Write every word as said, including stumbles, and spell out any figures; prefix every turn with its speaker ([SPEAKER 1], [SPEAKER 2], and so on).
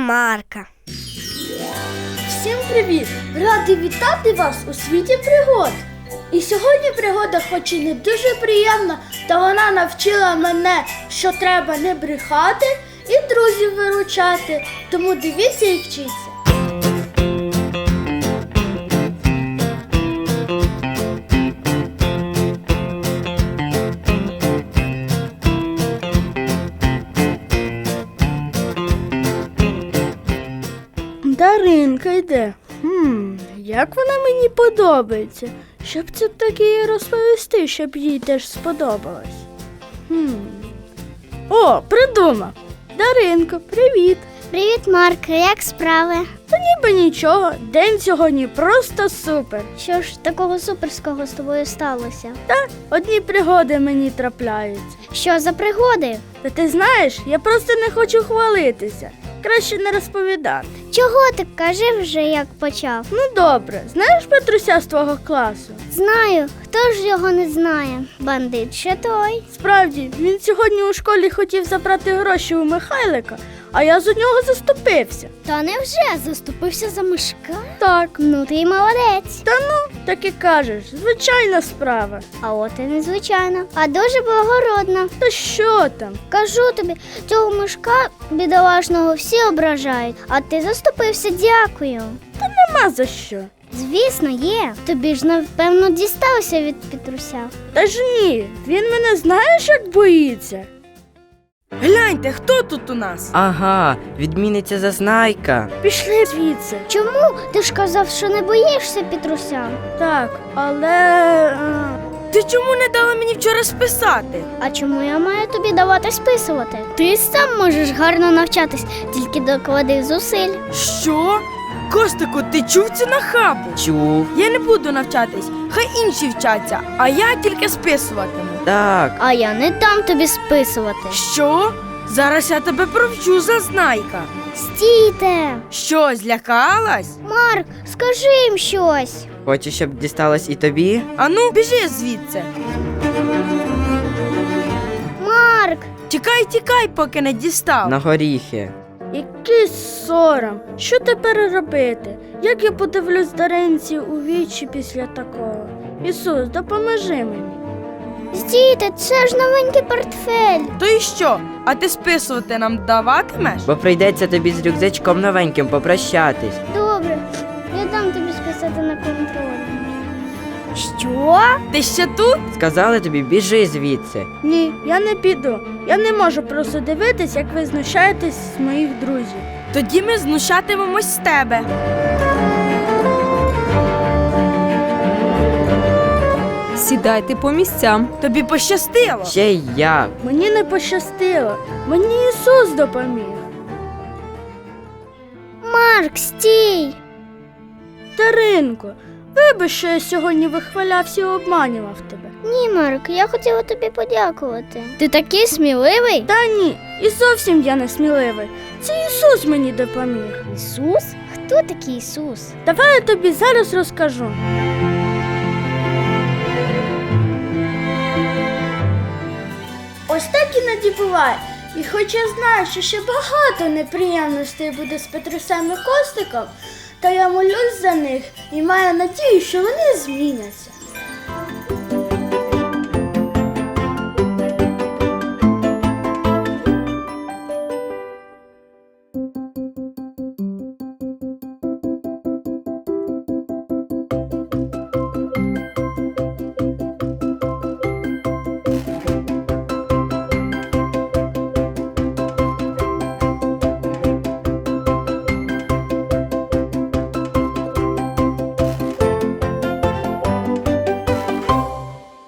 [SPEAKER 1] Марка.
[SPEAKER 2] Всім привіт! Радий вітати вас у світі пригод. І сьогодні пригода хоч і не дуже приємна, та вона навчила мене, що треба не брехати і друзів виручати. Тому дивіться і вчіться. Даринка йде. Хм, як вона мені подобається. Щоб це таки їй розповісти, щоб їй теж сподобалось. Хм. О, придумав. Даринко, привіт.
[SPEAKER 1] Привіт, Марк, як справи?
[SPEAKER 2] Та ніби нічого, день сьогодні просто супер.
[SPEAKER 1] Що ж такого суперського з тобою сталося?
[SPEAKER 2] Та одні пригоди мені трапляються.
[SPEAKER 1] Що за пригоди?
[SPEAKER 2] Та ти знаєш, я просто не хочу хвалитися. Краще не розповідати.
[SPEAKER 1] Чого ти? Кажи вже, як почав.
[SPEAKER 2] Ну добре, знаєш Петруся з твого класу?
[SPEAKER 1] Знаю, хто ж його не знає? Бандит ще той.
[SPEAKER 2] Справді, він сьогодні у школі хотів забрати гроші у Михайлика, а я за нього заступився.
[SPEAKER 1] Та невже заступився за Мишка?
[SPEAKER 2] Так.
[SPEAKER 1] Ну ти й молодець.
[SPEAKER 2] Та ну, так і кажеш, звичайна справа.
[SPEAKER 1] А от і незвичайно, а дуже благородно.
[SPEAKER 2] Та що там?
[SPEAKER 1] Кажу тобі, цього Мишка бідолашного всі ображають, а ти заступився, дякую.
[SPEAKER 2] Та нема за що.
[SPEAKER 1] Звісно, є. Тобі ж, напевно, дісталося від Петруся.
[SPEAKER 2] Та ж ні, він мене знаєш, як боїться?
[SPEAKER 3] Гляньте, хто тут у нас?
[SPEAKER 4] Ага, відміниться Зазнайка.
[SPEAKER 2] Пішли звідси.
[SPEAKER 1] Чому? Ти ж казав, що не боїшся Петруся.
[SPEAKER 2] Так, але... а,
[SPEAKER 3] Ти чому не дала мені вчора списати?
[SPEAKER 1] А чому я маю тобі давати списувати? Ти сам можеш гарно навчатись, тільки доклади зусиль.
[SPEAKER 3] Що? Костику, ти чув цю нахабу?
[SPEAKER 4] Чув.
[SPEAKER 3] Я не буду навчатись, хай інші вчаться, а я тільки списуватиму.
[SPEAKER 4] Так.
[SPEAKER 1] А я не дам тобі списувати.
[SPEAKER 3] Що? Зараз я тебе провчу, Зазнайка.
[SPEAKER 1] Стійте!
[SPEAKER 3] Що, злякалась?
[SPEAKER 1] Марк, скажи їм щось.
[SPEAKER 4] Хочеш, щоб дісталось і тобі?
[SPEAKER 3] Ану, біжи звідси.
[SPEAKER 1] Марк!
[SPEAKER 3] Тікай, тікай, поки не дістав.
[SPEAKER 4] На горіхи.
[SPEAKER 2] який сором. Що тепер робити? Як я подивлюсь Даринці у вічі після такого? Ісус, допоможи мені.
[SPEAKER 1] Стійте, це ж новенький портфель.
[SPEAKER 3] То і що? А ти списувати нам даватимеш?
[SPEAKER 4] Бо прийдеться тобі з рюкзачком новеньким попрощатись.
[SPEAKER 1] Добре, я дам тобі списати на контроль. Що?
[SPEAKER 3] Ти ще тут?
[SPEAKER 4] Сказали тобі, біжи звідси.
[SPEAKER 2] Ні, я не піду. Я не можу просто дивитись, як ви знущаєтесь з моїх друзів.
[SPEAKER 3] Тоді ми знущатимемось з тебе.
[SPEAKER 5] Сідайте по місцям.
[SPEAKER 3] Тобі пощастило.
[SPEAKER 4] Ще й як.
[SPEAKER 2] Мені не пощастило. Мені Ісус допоміг.
[SPEAKER 1] Марк, стій!
[SPEAKER 2] Даринко, вибач, що я сьогодні вихвалявся і обманював тебе.
[SPEAKER 1] Ні, Марк, я хотіла тобі подякувати. Ти такий сміливий?
[SPEAKER 2] Та ні, і зовсім я не сміливий. Це Ісус мені допоміг.
[SPEAKER 1] Ісус? Хто такий Ісус?
[SPEAKER 2] Давай я тобі зараз розкажу. Ось так іноді буває. І хоч я знаю, що ще багато неприємностей буде з Петрусем і Костиком, та я молюсь за них і маю надію, що вони зміняться.